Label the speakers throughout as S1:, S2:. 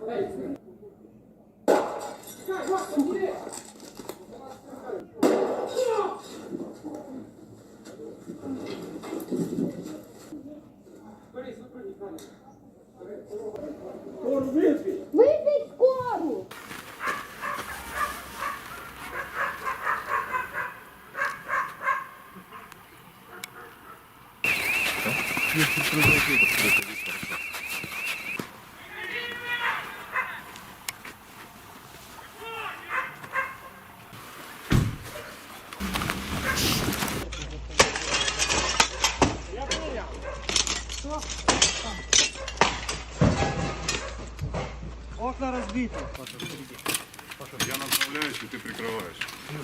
S1: Визвіть скору!
S2: Окна разбиты.
S3: Я направляюсь, и ты прикрываешь.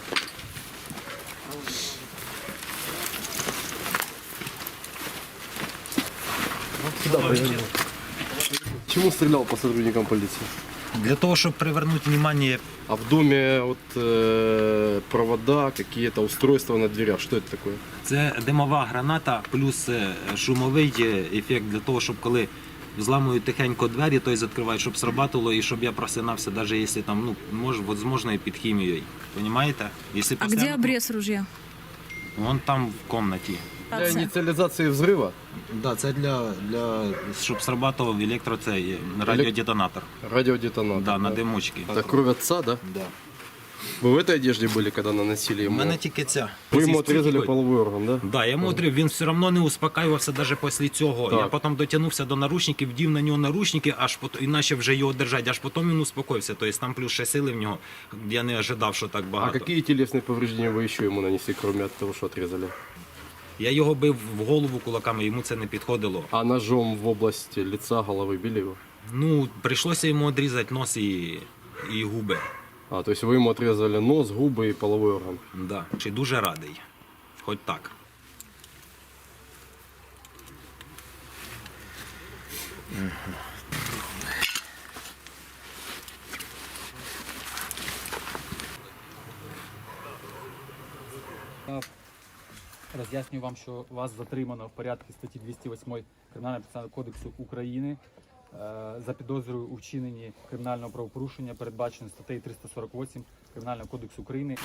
S4: Чему стрелял по сотрудникам полиции?
S5: Для того, щоб привернути увагу,
S4: А в доме вот провода, какие-то устройства на дверях. Что это такое?
S5: це димова граната плюс шумовий ефект для того, щоб коли взламують тихенько двері, той відкривають, щоб срабатувало і щоб я просинався, навіть якщо там, возможно, і під хімією. Понимаете? Если
S6: А где обрез ружья?
S5: Вон там в комнаті.
S4: Для инициализации взрыва?
S5: Да, це щоб срабатував цей радіодетонатор.
S4: Радиодетонатор.
S5: Да, на димочки.
S4: Это кровь отца, да?
S5: Да.
S4: Вы в этой одежде были, когда наносили
S5: У
S4: ему?
S5: мене тільки ця.
S4: Вы ему отрезали половой орган, да?
S5: Да, я йому отрив, він все одно не успокаювався навіть після цього.
S4: Так.
S5: Я потім дотягнувся до наручників, вдів на нього наручники, аж потім, і почав вже його держати, аж потім він успокоївся. Тобто там плюс ще сили в нього, я не ожидав, що так
S4: А
S5: багато.
S4: какие телесные повреждения вы еще ему нанесли, кроме от того, что отрезали?
S5: Я його бив в голову кулаками, йому це не підходило.
S4: А ножом в область лица, головы били его?
S5: Ну, прийшлося йому відрізати нос і губи.
S4: А, то есть вы ему отрезали нос, губы и половой орган?
S5: Да. Чи дуже радий. Хоч так.
S2: Роз'яснюю вам, що вас затримано в порядку статті 208 Кримінально-процесуального кодексу України за підозрою у вчиненні кримінального правопорушення, передбачено статтею 348 Кримінального кодексу України.